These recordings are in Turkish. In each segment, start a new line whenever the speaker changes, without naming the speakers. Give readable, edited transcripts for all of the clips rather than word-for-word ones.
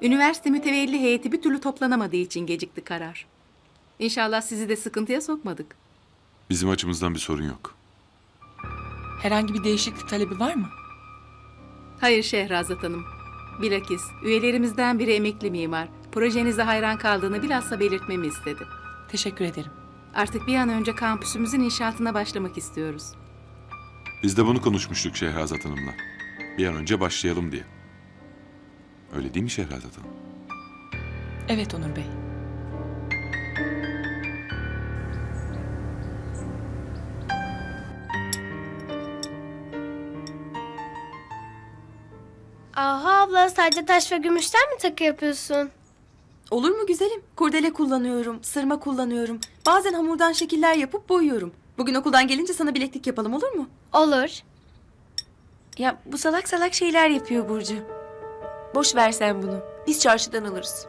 Üniversite mütevelli heyeti bir türlü toplanamadığı için gecikti karar. İnşallah sizi de sıkıntıya sokmadık.
Bizim açımızdan bir sorun yok.
Herhangi bir değişiklik talebi var mı?
Hayır Şehrazat Hanım. Bilakis üyelerimizden biri emekli mimar. Projenize hayran kaldığını bilhassa belirtmemi istedi.
Teşekkür ederim.
Artık bir an önce kampüsümüzün inşaatına başlamak istiyoruz.
Biz de bunu konuşmuştuk Şehrazat Hanım'la. Bir an önce başlayalım diye. Öyle değil mi Şehrazat Hanım?
Evet Onur Bey.
Aha abla sadece taş ve gümüşten mi takı yapıyorsun?
Olur mu güzelim? Kurdele kullanıyorum, sırma kullanıyorum. Bazen hamurdan şekiller yapıp boyuyorum. Bugün okuldan gelince sana bileklik yapalım olur mu?
Olur.
Ya bu salak salak şeyler yapıyor Burcu. Boş ver sen bunu. Biz çarşıdan alırız.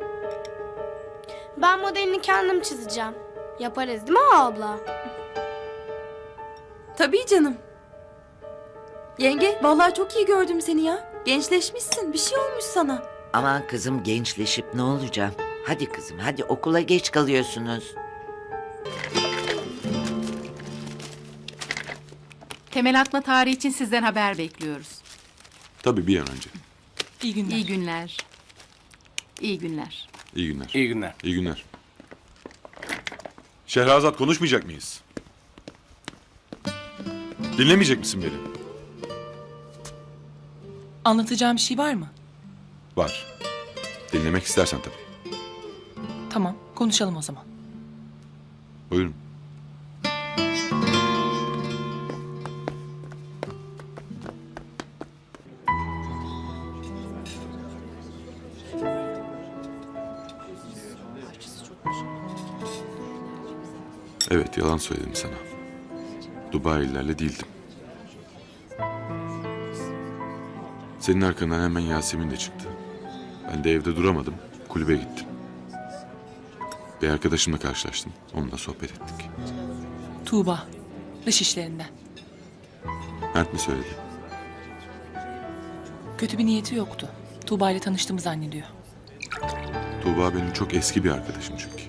Ben modelini kendim çizeceğim. Yaparız değil mi abla?
Tabii canım. Yenge vallahi çok iyi gördüm seni ya. Gençleşmişsin. Bir şey olmuş sana.
Aman kızım gençleşip ne olacağım? Hadi kızım hadi okula geç kalıyorsunuz.
Temel atma tarihi için sizden haber bekliyoruz.
Tabii bir an önce.
İyi günler.
İyi günler. İyi günler.
İyi günler.
İyi günler.
İyi günler. Şehrazat konuşmayacak mıyız? Dinlemeyecek misin beni?
Anlatacağım bir şey var mı?
Var. Dinlemek istersen tabii.
Tamam, konuşalım o zaman.
Buyurun. Evet, yalan söyledim sana. Dubai'lilerle değildim. Senin arkandan hemen Yasemin de çıktı. Ben de evde duramadım, kulübe gittim. Bir arkadaşımla karşılaştım, onunla sohbet ettik.
Tuğba, dış işlerinden.
Mert mi söyledi?
Kötü bir niyeti yoktu. Tuğba ile tanıştığımı zannediyor.
Tuğba benim çok eski bir arkadaşım çünkü.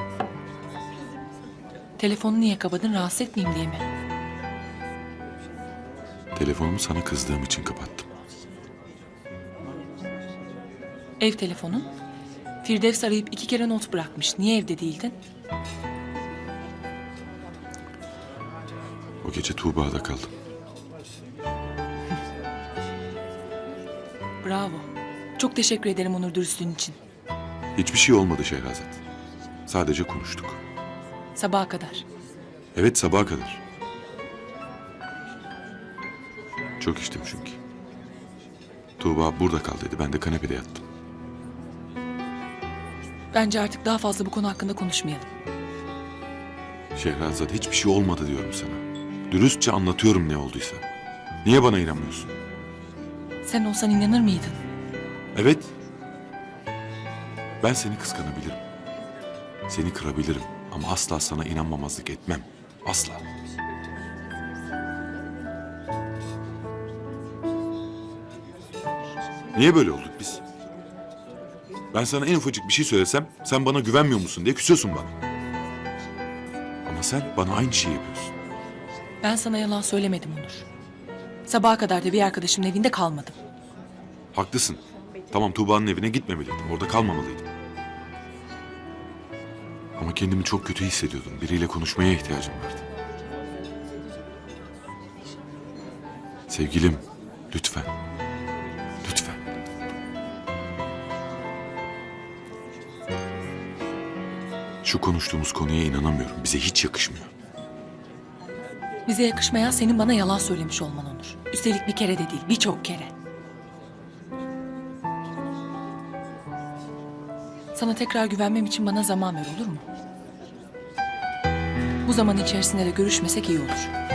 Telefonu niye kapadın, rahatsız etmeyeyim diye mi?
Telefonumu sana kızdığım için kapattım.
Ev telefonun. Firdevs arayıp 2 kere not bırakmış. Niye evde değildin?
O gece Tuğba'da kaldım.
Bravo. Çok teşekkür ederim Onur dürüstlüğün için.
Hiçbir şey olmadı Şehrazat. Sadece konuştuk.
Sabaha kadar.
Evet, sabaha kadar. Çok içtim çünkü. Tuğba burada kal dedi, ben de kanepede yattım.
Bence artık daha fazla bu konu hakkında konuşmayalım.
Şehrazat, hiçbir şey olmadı diyorum sana. Dürüstçe anlatıyorum ne olduysa. Niye bana inanmıyorsun?
Sen olsan inanır mıydın?
Evet. Ben seni kıskanabilirim. Seni kırabilirim ama asla sana inanmamazlık etmem. Asla. Niye böyle olduk biz? Ben sana en ufacık bir şey söylesem sen bana güvenmiyor musun diye küsüyorsun bana. Ama sen bana aynı şeyi yapıyorsun.
Ben sana yalan söylemedim Onur. Sabaha kadar da bir arkadaşımın evinde kalmadım.
Haklısın. Tamam, Tuğba'nın evine gitmemeliydim. Orada kalmamalıydım. Ama kendimi çok kötü hissediyordum. Biriyle konuşmaya ihtiyacım vardı. Sevgilim, lütfen. Lütfen. Şu konuştuğumuz konuya inanamıyorum. Bize hiç yakışmıyor.
Bize yakışmayan senin bana yalan söylemiş olman Onur. Üstelik bir kere de değil, birçok kere. Sana tekrar güvenmem için bana zaman ver, olur mu? Bu zaman içerisinde de görüşmesek iyi olur.